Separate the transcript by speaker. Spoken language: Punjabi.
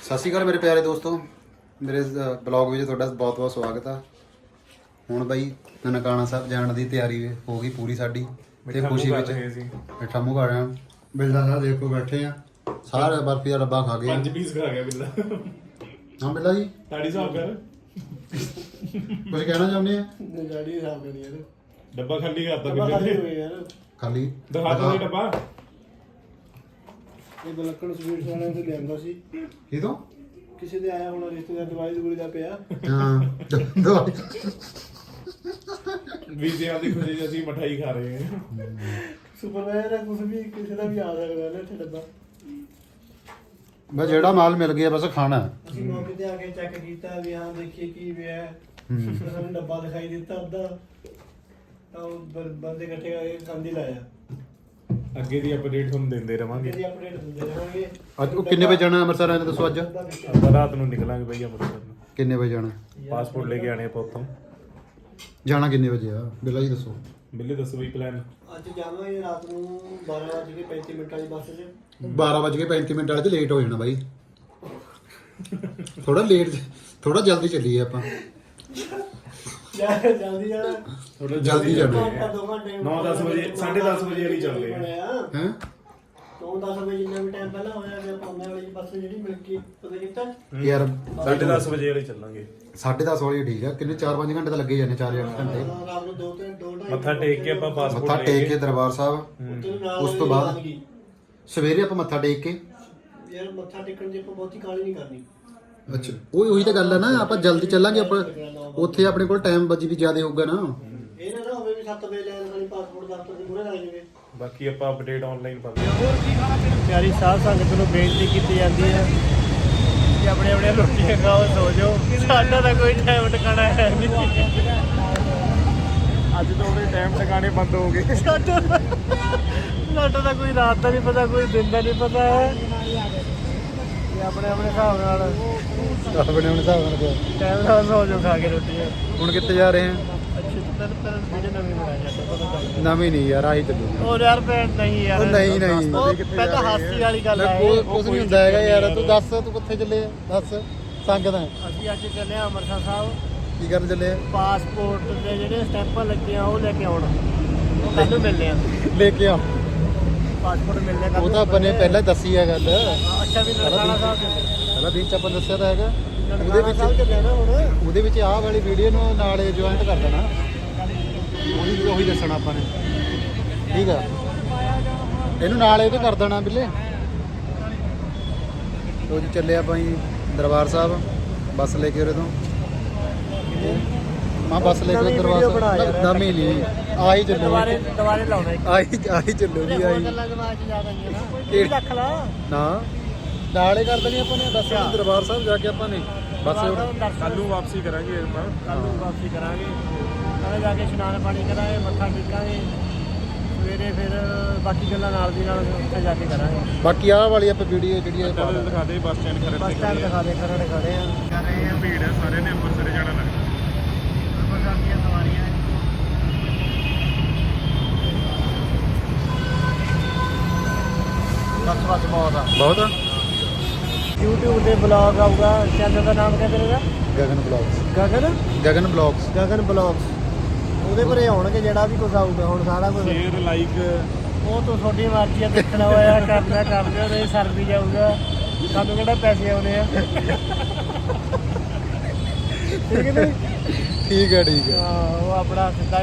Speaker 1: ਸਤਿ ਸ਼੍ਰੀ ਅਕਾਲ ਮੇਰੇ ਪਿਆਰੇ ਦੋਸਤੋ, ਮੇਰੇ ਬਲੌਗ ਵਿੱਚ ਤੁਹਾਡਾ ਬਹੁਤ ਬਹੁਤ ਸਵਾਗਤ ਆ। ਹੁਣ ਬਾਈ ਨਨਕਾਣਾ ਸਾਹਿਬ ਜਾਣ ਦੀ ਤਿਆਰੀ ਹੋ ਗਈ ਪੂਰੀ ਸਾਡੀ ਤੇ ਖੁਸ਼ੀ ਵਿੱਚ ਮਿੱਠਾ ਮੂੰਹ ਖਾ ਰਹੇ ਆ। ਬਿੱਲਾ ਸਾਹਿਬ ਦੇਖੋ ਬੈਠੇ ਆ, ਸਾਰੇ ਬਰਫੀ ਦਾ ਡੱਬਾ ਖਾ ਗਏ।
Speaker 2: 5 ਪੀਸ ਖਾ ਗਿਆ ਬਿੱਲਾ।
Speaker 1: ਹਾਂ ਬਿੱਲਾ ਜੀ
Speaker 2: ਤਾੜੀ ਹਿਸਾਬ ਕਰ,
Speaker 1: ਕੁਝ ਕਹਿਣਾ ਚਾਹੁੰਦੇ ਆ?
Speaker 3: ਗਾੜੀ ਹਿਸਾਬ ਕਰੀ ਯਾਰ,
Speaker 2: ਡੱਬਾ ਖਾਲੀ ਕਰਤਾ
Speaker 3: ਡੱਬਾ ਖਾਲੀ
Speaker 2: ਬਿੱਲੇ
Speaker 3: ਹੋਇਆ ਯਾਰ।
Speaker 1: ਖਾਲੀ
Speaker 2: ਦਿਖਾ ਤਾ ਡੱਬਾ।
Speaker 3: ਇਹ ਬਲੱਕਣ ਸਵੀਟਸ ਵਾਲਿਆਂ ਤੋਂ ਲਿਆਂਦਾ ਸੀ,
Speaker 1: ਇਹ ਤੋਂ
Speaker 3: ਕਿਸੇ ਦੇ ਆਇਆ ਹੋਣਾ ਰਿਸ਼ਤੇਦਾਰ, ਦਵਾਈ ਦੂਰੀ ਦਾ ਪਿਆ।
Speaker 1: ਹਾਂ ਦਵਾਈ
Speaker 2: ਵੀਜ਼ਿਆਂ ਦੀ ਖੁਸ਼ੀ 'ਚ ਅਸੀਂ ਮਠਾਈ ਖਾ ਰਹੇ ਹਾਂ।
Speaker 3: ਸੁਪਰਵਾਈਜ਼ਰ ਕੁਝ ਵੀ ਕਿਸੇ ਦਾ ਵੀ ਆ ਸਕਦਾ ਨਾ ਇੱਥੇ ਡੱਬਾ।
Speaker 1: ਬਸ ਜਿਹੜਾ ਮਾਲ ਮਿਲ ਗਿਆ ਬਸ ਖਾਣਾ ਹੈ।
Speaker 3: ਅਸੀਂ ਮੌਕੇ ਤੇ ਆ ਕੇ ਚੈੱਕ ਕੀਤਾ ਵੀ ਹਾਂ ਦੇਖੀਏ ਕੀ ਪਿਆ ਹੈ। ਸਾਨੂੰ ਡੱਬਾ ਦਿਖਾਈ ਦਿੱਤਾ ਅੱਧਾ, ਤਾਂ ਉਹ ਬੰਦੇ ਇਕੱਠੇ ਕਰਕੇ ਕੰਧ ਹੀ ਲਾਇਆ।
Speaker 2: ਅੱਗੇ ਦੀ ਅਪਡੇਟ ਤੁਹਾਨੂੰ ਦਿੰਦੇ ਰਵਾਂਗੇ।
Speaker 3: ਇਹਦੀ ਅਪਡੇਟ ਦਿੰਦੇ ਰਹਾਂਗੇ।
Speaker 1: ਅੱਜ ਉਹ ਕਿੰਨੇ ਵਜੇ ਜਾਣਾ ਅੰਮ੍ਰਿਤਸਰ ਆਏ ਨੇ ਦੱਸੋ? ਅੱਜ
Speaker 2: ਆਪਾਂ ਰਾਤ ਨੂੰ ਨਿਕਲਾਂਗੇ ਬਈ ਅੰਮ੍ਰਿਤਸਰ ਨੂੰ।
Speaker 1: ਕਿੰਨੇ ਵਜੇ ਜਾਣਾ?
Speaker 2: ਪਾਸਪੋਰਟ ਲੈ ਕੇ ਆਣੇ ਆਪਾਂ ਉੱਥੋਂ।
Speaker 1: ਜਾਣਾ ਕਿੰਨੇ ਵਜੇ ਆ ਬਿੱਲਾ ਜੀ ਦੱਸੋ?
Speaker 2: ਬਿੱਲੇ ਦੱਸੋ ਬਈ ਪਲਾਨ।
Speaker 3: ਅੱਜ ਜਾਵਾਂਗੇ ਰਾਤ ਨੂੰ 12:35 ਵਾਲੀ ਬੱਸ 'ਚ।
Speaker 1: 12:35 ਵਾਲੇ 'ਚ ਲੇਟ ਹੋ ਜਾਣਾ ਬਾਈ। ਥੋੜਾ ਲੇਟ, ਥੋੜਾ ਜਲਦੀ ਚੱਲੀਏ ਆਪਾਂ।
Speaker 3: ਜਲਦੀ ਜਾਣਾ,
Speaker 2: ਥੋੜਾ
Speaker 1: ਜਲਦੀ ਜਾਣਾ।
Speaker 3: ਘੰਟਾ 2 ਘੰਟੇ
Speaker 2: 9-10 ਵਜੇ 10:30 ਵਜੇ ਵਾਲੀ ਚੱਲਦੇ ਆ।
Speaker 1: ਹੈ
Speaker 3: 9-10 ਵਜੇ ਜਿੰਨਾ ਵੀ ਟਾਈਮ ਪਹਿਲਾਂ ਹੋਇਆ ਤੇ ਆਪਾਂ ਉਹਨਾਂ ਵਾਲੀ ਬੱਸ ਜਿਹੜੀ ਮਿਲ ਕੇ ਪਤਾ ਕੀਤਾ
Speaker 1: ਯਾਰ
Speaker 2: 10:30 ਵਜੇ ਵਾਲੀ ਚੱਲਾਂਗੇ।
Speaker 1: 10:30 ਵਾਲੀ ਠੀਕ ਆ। ਕਿੰਨੇ 4-5 ਘੰਟੇ ਤਾਂ ਲੱਗੇ ਜਾਂਦੇ, 4-8 ਘੰਟੇ।
Speaker 3: ਰਾਤ ਨੂੰ 2-2:30
Speaker 2: ਮੱਥਾ ਟੇਕ ਕੇ ਆਪਾਂ ਪਾਸਪੋਰਟ
Speaker 1: ਮੱਥਾ
Speaker 2: ਲੈ
Speaker 1: ਟੇਕ ਕੇ
Speaker 2: ਕੇ
Speaker 1: ਦਰਬਾਰ ਸਾਹਿਬ, ਉਸ ਤੋਂ ਬਾਅਦ ਸਵੇਰੇ ਆਪਾਂ ਮੱਥਾ ਟੇਕ ਕੇ
Speaker 3: ਯਾਰ ਮੱਥਾ ਟੇਕਣ ਦੀ ਆਪਾਂ ਬਹੁਤੀ ਕਾਹਲੀ ਨਹੀਂ ਕਰਨੀ।
Speaker 1: ਅੱਛਾ ਉਹੀ ਤਾਂ ਗੱਲ ਆ ਨਾ, ਆਪਾਂ ਜਲਦੀ ਚੱਲਾਂਗੇ। ਆਪਾਂ ਉੱਥੇ ਆਪਣੇ ਕੋਲ ਟਾਈਮ ਬਚੀ ਵੀ ਜ਼ਿਆਦਾ ਹੋਊਗਾ ਨਾ।
Speaker 3: ਇਹ ਨਾ ਹੋਵੇ ਵੀ 7 ਵਜੇ ਲੈਣ ਵਾਲੀ ਪਾਸਪੋਰਟ ਦਫ਼ਤਰ ਦੇ ਮੂਹਰੇ ਲੱਗ ਜਾਵੇ।
Speaker 2: ਬਾਕੀ ਆਪਾਂ ਅਪਡੇਟ ਆਨਲਾਈਨ ਪਾਵਾਂਗੇ।
Speaker 3: ਹੋਰ ਕੀ ਖਾਣਾ ਪੀਣਾ? ਪਿਆਰੀ ਸਾਧ ਸੰਗਤ ਨੂੰ ਬੇਨਤੀ ਕੀਤੀ ਜਾਂਦੀ ਹੈ ਕਿ ਆਪਣੇ ਆਪਣੇ ਰੋਟੀਆਂ ਖਾਓ, ਸੋ ਜਾਓ। ਸਾਡਾ ਤਾਂ ਕੋਈ ਟਾਈਮ ਟਿਕਾਣਾ ਹੈ ਨਹੀਂ।
Speaker 2: ਅੱਜ ਤੋਂ ਉਹਦੇ ਟਾਈਮ ਟਿਕਾਣੇ ਬੰਦ ਹੋ ਗਏ।
Speaker 3: ਸਾਡਾ ਤਾਂ ਕੋਈ ਰਾਤ ਦਾ ਨਹੀਂ ਪਤਾ, ਕੋਈ ਦਿਨ ਦਾ ਨਹੀਂ ਪਤਾ ਹੈ। ਇਹ ਆਪਣੇ ਆਪਣੇ ਹਿਸਾਬ ਨਾਲ
Speaker 1: ਆਪਣੇ ਹਿਸਾਬ ਨਾਲ
Speaker 3: ਟਾਈਮ ਨਾਲ ਸੋ ਜਾਓ ਖਾ ਕੇ ਰੋਟੀਆਂ।
Speaker 1: ਹੁਣ ਕਿੱਥੇ ਜਾ ਰਹੇ ਆ?
Speaker 3: ਅੱਛਾ ਤਾਂ ਵੀਡੀਓ ਨਵੀਂ ਬਣਾਈ ਜਾਂਦਾ ਪਤਾ ਚੱਲ।
Speaker 1: ਨਵੀਂ ਨਹੀਂ ਯਾਰ, ਆਹੀ ਚੱਲੂਗੀ।
Speaker 3: ਉਹ ਯਾਰ ਭੈਣ ਨਹੀਂ ਯਾਰ,
Speaker 1: ਉਹ ਨਹੀਂ।
Speaker 3: ਉਹ ਪਹਿਲਾਂ ਹਾਸੀ ਵਾਲੀ ਗੱਲ ਹੈ।
Speaker 1: ਕੁਝ ਨਹੀਂ ਹੁੰਦਾ ਹੈਗਾ ਯਾਰ। ਤੂੰ ਦੱਸ, ਤੂੰ ਕਿੱਥੇ ਚੱਲੇ ਆ? ਦੱਸ ਸੰਗਤ ਹੈ।
Speaker 3: ਅਸੀਂ ਅੱਜ ਚੱਲੇ ਆ ਅੰਮ੍ਰਿਤਸਰ ਸਾਹਿਬ।
Speaker 1: ਕੀ ਕਰਨ ਚੱਲੇ ਆ?
Speaker 3: ਪਾਸਪੋਰਟ ਦੇ ਜਿਹੜੇ ਸਟੈਂਪਾਂ ਲੱਗੀਆਂ ਉਹ ਲੈ ਕੇ ਆਉਣ। ਉਹ ਕੱਲ ਨੂੰ ਮਿਲਨੇ ਆ।
Speaker 1: ਲੈ ਕੇ ਆ।
Speaker 3: ਪਾਸਪੋਰਟ ਮਿਲਨੇ ਕੱਲ।
Speaker 1: ਉਹ ਤਾਂ ਆਪਾਂ ਨੇ ਪਹਿਲਾਂ ਦੱਸੀ ਹੈ ਗੱਲ।
Speaker 3: ਅੱਛਾ ਵੀ ਨਨਕਾਣਾ ਸਾਹਿਬ ਚੱਲੇ।
Speaker 1: ਪਹਿਲਾਂ ਦਿਨ ਚ ਆਪਾਂ ਦੱਸਿਆ ਤਾਂ ਹੈਗਾ।
Speaker 3: ਨਨਕਾਣਾ ਸਾਹਿਬ ਚੱਲੇ ਨਾ ਹੁਣ।
Speaker 1: ਉਹਦੇ ਵਿੱਚ ਆਹ ਵਾਲੀ ਵੀਡੀਓ ਨੂੰ ਨਾਲ ਜੁਆਇੰਟ ਕਰ ਦੇਣਾ। ਉਹੀ ਦੱਸਣਾ ਆਪਾਂ ਨੇ, ਠੀਕ ਆ? ਇਹਨੂੰ ਨਾਲ ਇਹਦੇ ਕਰ ਦੇਣਾ ਬਿੱਲੇ। ਲੋ ਜੀ ਚੱਲੇ ਆਪਾਂ ਜੀ ਦਰਬਾਰ ਸਾਹਿਬ, ਬੱਸ ਲੈ ਕੇ ਉਰੇ ਤੋਂ। ਮਾਂ ਬੱਸ ਲੈ ਕੇ ਦਰਬਾਰ ਸਾਹਿਬ ਨਵੀਂ ਨਹੀਂ, ਆਹੀ ਚੱਲੂ।
Speaker 3: ਦੁਬਾਰੇ ਲਾਉਣਾ ਇੱਕ।
Speaker 1: ਆਹੀ ਚੱਲੂਗੀ। ਆਹੀ
Speaker 3: ਗੱਲਾਂ ਦਿਮਾਗ 'ਚ ਜ਼ਿਆਦਾ ਆਈਆਂ ਨਾ। ਇਹ ਰੱਖ ਲਾ
Speaker 1: ਨਾ ਨਾਲੇ ਕਰ ਦੇਣੀ ਆਪਾਂ ਨੇ ਬੱਸ ਦਰਬਾਰ ਸਾਹਿਬ ਜਾ ਕੇ ਆਪਾਂ ਨੇ ਬੱਸ।
Speaker 2: ਕੱਲ ਨੂੰ ਵਾਪਸੀ ਕਰਾਂਗੇ ਆਪਾਂ।
Speaker 3: ਕੱਲ ਨੂੰ ਵਾਪਸੀ ਕਰਾਂਗੇ। ਕੱਲ ਜਾ ਕੇ ਇਸ਼ਨਾਨ ਪਾਣੀ ਕਰਾਂਗੇ, ਮੱਥਾ ਟੇਕਾਂਗੇ। ਸਵੇਰੇ ਫਿਰ ਬਾਕੀ ਗੱਲਾਂ ਨਾਲ ਦੀ ਨਾਲ ਉੱਥੇ ਜਾ ਕੇ ਕਰਾਂਗੇ।
Speaker 1: ਬਾਕੀ ਆਹ ਵਾਲੀ ਆਪਾਂ ਵੀਡੀਓ ਜਿਹੜੀ ਹੈ
Speaker 2: ਚੱਲ ਦਿਖਾ ਦੇ ਬੱਸ ਸਟੈਂਡ ਖੜੇ
Speaker 3: ਬੱਸ ਸਟੈਂਡ ਦਿਖਾ ਦੇ, ਖੜੇ ਆ।
Speaker 2: ਕਰ ਰਹੇ ਆ ਭੀੜ ਹੈ, ਸਾਰੇ ਨੇ ਅੰਮ੍ਰਿਤਸਰ ਜਾਣਾ ਲੱਗਦਾ।
Speaker 3: ਅੰਮ੍ਰਿਤਸਰ ਦੀਆਂ ਸਵਾਰੀਆਂ ਬਸ ਬਹੁਤ ਆ। YouTube ਤੇ ਵਲੌਗ ਆਊਗਾ। ਚੈਨਲ ਦਾ ਨਾਮ ਕਿਆ ਤੇਰਾ?
Speaker 1: ਗਗਨ ਬਲੌਗਸ।
Speaker 3: ਗਗਨ
Speaker 1: ਗਗਨ ਬਲੌਗਸ।
Speaker 3: ਉਹਦੇ ਪਰੇ ਆਉਣਗੇ ਜਿਹੜਾ ਵੀ ਕੁਝ ਆਊਗਾ। ਹੁਣ ਸਾਰਾ ਕੁਝ
Speaker 2: ਸ਼ੇਅਰ ਲਾਈਕ
Speaker 3: ਉਹ ਤੋਂ ਤੁਹਾਡੀ ਮਰਜ਼ੀ ਆ, ਦੇਖਣਾ ਹੋਇਆ ਕਰਨਾ ਕਰ ਦਿਓ, ਨਹੀਂ ਸਰ ਵੀ ਜਾਊਗਾ। ਸਾਨੂੰ ਕਿਹੜਾ ਪੈਸੇ ਆਉਣੇ ਆ। ਠੀਕ ਹੈ ਨਹੀਂ?
Speaker 1: ਠੀਕ ਹੈ
Speaker 3: ਹਾਂ ਉਹ ਆਪਣਾ ਸਿੱਧਾ